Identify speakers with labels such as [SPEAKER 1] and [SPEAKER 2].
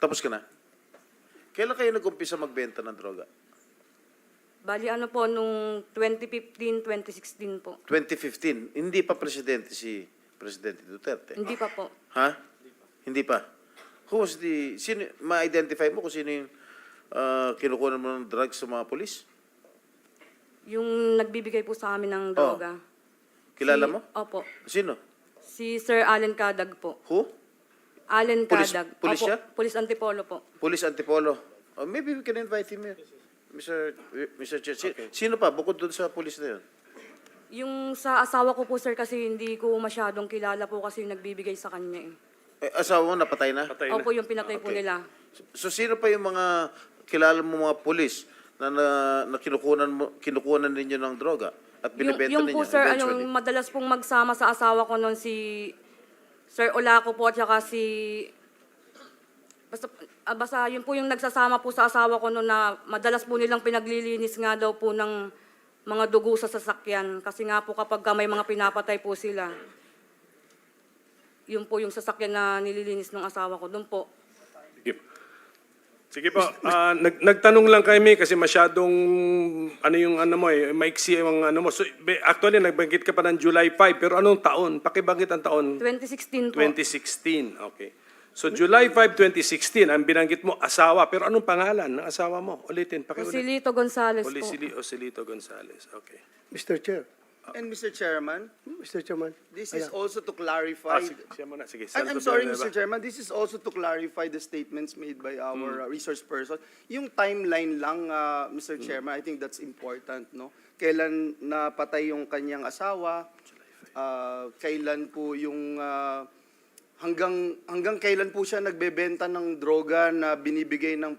[SPEAKER 1] Tapos ka na? Kailan kayo nag-umpisa magbenta ng droga?
[SPEAKER 2] Bali ano po, nung 2015, 2016 po.
[SPEAKER 1] 2015. Hindi pa presidente si Presidente Duterte.
[SPEAKER 2] Hindi pa po.
[SPEAKER 1] Ha? Hindi pa. Who was the... Sino, ma-identify mo kung sino yung kinukuha mo ng drugs sa mga polis?
[SPEAKER 2] Yung nagbibigay po sa amin ng droga.
[SPEAKER 1] Kilala mo?
[SPEAKER 2] Opo.
[SPEAKER 1] Sino?
[SPEAKER 2] Si Sir Allen Cadag po.
[SPEAKER 1] Who?
[SPEAKER 2] Allen
[SPEAKER 1] Pulis-
[SPEAKER 2] Cadag.
[SPEAKER 1] pulis
[SPEAKER 2] Opo,
[SPEAKER 1] siya?
[SPEAKER 2] Pulis Antipolo po.
[SPEAKER 1] Police Antipolo. Oh, maybe we can invite him here. Mr. Chair. Sino pa? Bukod doon sa police na yun?
[SPEAKER 2] Yung sa asawa ko po, sir, kasi hindi ko masyadong kilala po kasi yung nagbibigay sa kanya eh.
[SPEAKER 1] Asawa mo, napatay na?
[SPEAKER 3] Patay na.
[SPEAKER 2] Opo, yung pinatay po
[SPEAKER 1] Okay.
[SPEAKER 2] nila.
[SPEAKER 1] So sino pa yung mga kilala mo mga police na kinukunan ninyo ng droga at binibenta
[SPEAKER 2] Yung
[SPEAKER 1] ninyo
[SPEAKER 2] po, sir,
[SPEAKER 1] eventually?
[SPEAKER 2] madalas pong magsama sa asawa ko noon si Sir Olaco po at saka si... Basta yun po yung nagsasama po sa asawa ko noon na madalas po nilang pinaglilinis nga daw po ng mga dugo sa sasakyan. Kasi nga po kapag may mga pinapatay po sila, yun po yung sasakyan na nililinis ng asawa ko. Doon po.
[SPEAKER 3] Sige. Sige po, nagtanong lang kami kasi masyadong ano yung ano mo maiksi yung ano mo. So, actually, nagbanggit ka pa ng July 5, pero anong taon? Pakibanggit ang taon?
[SPEAKER 2] 2016 po.
[SPEAKER 3] 2016, okay. So July 5, 2016, ang binanggit mo, asawa. Pero anong pangalan ng asawa mo? Ulitin, pakiulit.
[SPEAKER 2] Osilito Gonzales po.
[SPEAKER 3] Osilito Gonzales, okay.
[SPEAKER 4] Mr. Chair,
[SPEAKER 5] And Mr. Chairman,
[SPEAKER 4] Mr. Chairman,
[SPEAKER 5] this is also to clarify.
[SPEAKER 3] Sige, siya muna. Sige,
[SPEAKER 5] I'm
[SPEAKER 3] Senator
[SPEAKER 5] sorry,
[SPEAKER 3] Villanueva.
[SPEAKER 5] Mr. Chairman. This is also to clarify the statements made by our resource person. Yung timeline lang, Mr. Chairman, I think that's important, no? Kailan napatay yung kanyang asawa? Kailan po yung hanggang kailan po siya nagbebenta ng droga na binibigay ng